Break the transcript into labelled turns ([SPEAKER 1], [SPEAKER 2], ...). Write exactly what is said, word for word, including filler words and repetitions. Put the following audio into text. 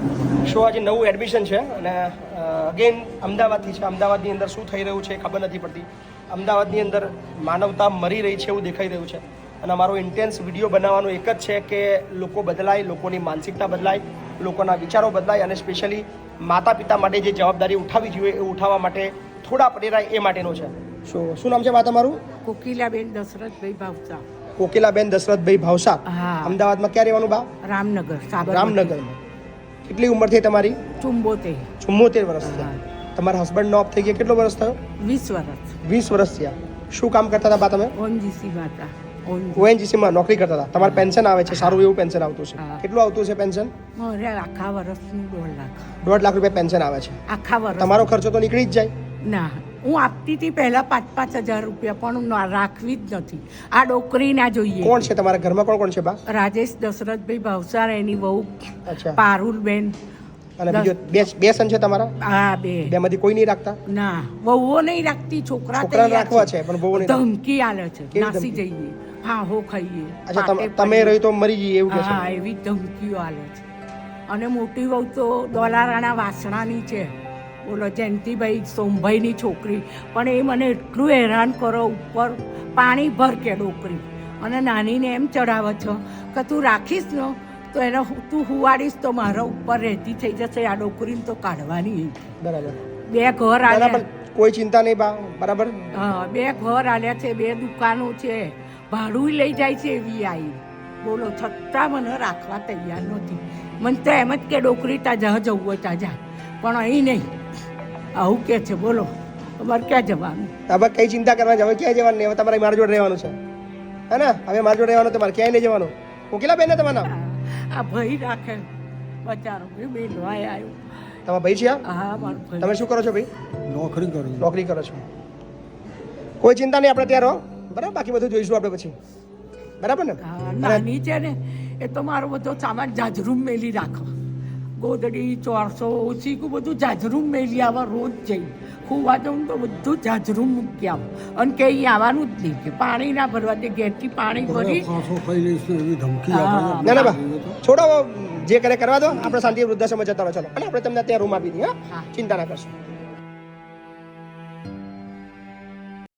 [SPEAKER 1] Show આજે નવું admission છે અને અગેન અમદાવાદથી છે. અમદાવાદની અંદર શું થઈ રહ્યું છે ખબર નથી પડતી. અમદાવાદની અંદર માનવતા મરી રહી છે એવું દેખાઈ રહ્યું છે અને અમારો ઇન્ટેન્સ વિડીયો બનાવવાનો એક જ છે કે લોકો બદલાય, લોકોની માનસિકતા બદલાય, લોકોના વિચારો બદલાય અને સ્પેશિયલી માતા પિતા માટે જે જવાબદારી ઉઠાવવી જોઈએ એ ઉઠાવવા માટે થોડા પ્રેરાય એ માટેનો છે. શું શું નામ છે બા તમારું?
[SPEAKER 2] કોકિલાબેન દશરથભાઈ ભાવસા.
[SPEAKER 1] કોકિલાબેન દશરથભાઈ ભાવસા.
[SPEAKER 2] હા.
[SPEAKER 1] અમદાવાદમાં ક્યાં રહેવાનું બા?
[SPEAKER 2] રામનગર.
[SPEAKER 1] રામનગરમાં. કેટલી ઉંમર થઈ તમારી?
[SPEAKER 2] ચુંબોતેર.
[SPEAKER 1] ચુમ્મોતેર વર્ષ થયા. તમારા હસબન્ડનો ઓફ થઈ ગયા કેટલો વર્ષ થયો?
[SPEAKER 2] વીસ વર્ષ.
[SPEAKER 1] વીસ વર્ષ થયા. શું કામ કરતા હતા બા તમે?
[SPEAKER 2] ઓએનજીસી માતા.
[SPEAKER 1] ઓએનજીસીમાં નોકરી કરતા હતા. તમારે પેન્શન આવે છે, સારું એવું પેન્શન આવતું છે.
[SPEAKER 2] હા.
[SPEAKER 1] કેટલું આવતું છે પેન્શન?
[SPEAKER 2] મારે આખા વર્ષનું દોઢ લાખ.
[SPEAKER 1] દોઢ લાખ રૂપિયા પેન્શન આવે છે.
[SPEAKER 2] આખા વર્ષ.
[SPEAKER 1] તમારો ખર્ચો તો નીકળી જ જાય.
[SPEAKER 2] ના, હું આપતી હતી પહેલા પાંચ પાંચ હજાર રૂપિયા, પણ હું ના- રાખવી જ નથી. આ ડોકરી ના જોઈએ.
[SPEAKER 1] કોણ છે તમારા ઘરમાં? કોણ કોણ છે બા?
[SPEAKER 2] રાજેશ દશરથભાઈ ભાવસાર, એની વહુ
[SPEAKER 1] અચ્છા.
[SPEAKER 2] પારુલબેન.
[SPEAKER 1] અને બીજો બે બે સન છે તમારા?
[SPEAKER 2] હા, બે.
[SPEAKER 1] બેમાંથી કોઈ નહીં રાખતા?
[SPEAKER 2] ના, વહુઓ નહીં રાખતી, છોકરા
[SPEAKER 1] છોકરાને
[SPEAKER 2] તૈયાર
[SPEAKER 1] રાખવા છે પણ બહુ નહીં.
[SPEAKER 2] ધમકી આલે છે,
[SPEAKER 1] કેવી
[SPEAKER 2] નાસી
[SPEAKER 1] ધમકી?
[SPEAKER 2] જઈએ, હા હો ખાઈએ.
[SPEAKER 1] અચ્છા, તમ-
[SPEAKER 2] પાટે
[SPEAKER 1] તમે
[SPEAKER 2] પડીએ.
[SPEAKER 1] રહી તો મરી જઈએ એવું કે છે?
[SPEAKER 2] હા, એવી ધમકીઓ આલે છે. અને મોટી વહુ તો દોલારાણા વાસણાની છે, બોલો જયંતિભાઈ સોમભાઈની છોકરી. પણ એ મને એટલું હેરાન કરો, ઉપર પાણી ભર કે ડોકરી, અને નાનીને એમ ચડાવે છો કે તું રાખીશ ને તો એને હું- તું હુવાડીશ તો મારા ઉપર રહેતી થઈ જશે. આ ડોકરીને તો કાઢવાની.
[SPEAKER 1] બરાબર.
[SPEAKER 2] બે ઘર
[SPEAKER 1] ના, ના,
[SPEAKER 2] આલ્યા.
[SPEAKER 1] પણ કોઈ ચિંતા નહીં બા. બરાબર.
[SPEAKER 2] હા, બે ઘર આલ્યા છે, બે દુકાનો છે, ભાડું લઈ જાય છે એવી આવી. બોલો, છતાં મને રાખવા તૈયાર નથી. મને તો એમ જ કે ડોકરી તા જ્યાં જવું હોય ત્યાં જા, પણ અહીં નહીં. આવું કે છે. બોલો, તમારે ક્યાં જવાનું?
[SPEAKER 1] હવે કઈ ચિંતા કરવાની છે? હવે ક્યાંય જવાનું નહીં. હવે તમારે મારા જોડે રહેવાનું છે, હે ને? હવે મારા જોડે રહેવાનું, તમારે ક્યાંય નહીં જવાનું. કોકિલા બેન ને તમારું નામ?
[SPEAKER 2] આ ભાઈ રાખે બચારો, ભાઈ બેન ભાઈ આવ્યો.
[SPEAKER 1] તમારા ભાઈ છે આ?
[SPEAKER 2] હા, મારો ભાઈ.
[SPEAKER 1] તમે શું કરો છો ભાઈ?
[SPEAKER 3] નોકરી કરું.
[SPEAKER 1] નોકરી કરો છો. કોઈ ચિંતા નહીં, આપણે ત્યાં રહો. બરાબર, બાકી બધું જોઈશું આપણે પછી. બરાબર ને?
[SPEAKER 2] હા, નાની છે ને એ તો મારો બધો સામાન જાજરૂમ મેલી રાખો. ગોદડી, ચોરસો, ઓછીકું બધું જાજરૂમ મેલી આવા રોજ જઈ. ખુવા જાઉં તો બધું જાજરૂમ મૂકી આવું. અને કે અહીં આવવાનું જ નહીં, કે પાણી ના ભરવા દે. ઘેરથી પાણી ભરી.
[SPEAKER 3] ફાંસો ખાઈ લઈશ ને એવી ધમકી
[SPEAKER 2] હા.
[SPEAKER 3] આપે.
[SPEAKER 1] ના ના બા, છોડો, જે કરે કરવા દો. આપણે શાંતિ વૃદ્ધાશ્રમમાં જતા રહો. ચલો, અને આપણે તમને ત્યાં રૂમ આપી દઈએ. હા,
[SPEAKER 2] હા.
[SPEAKER 1] ચિંતા ના કરશો.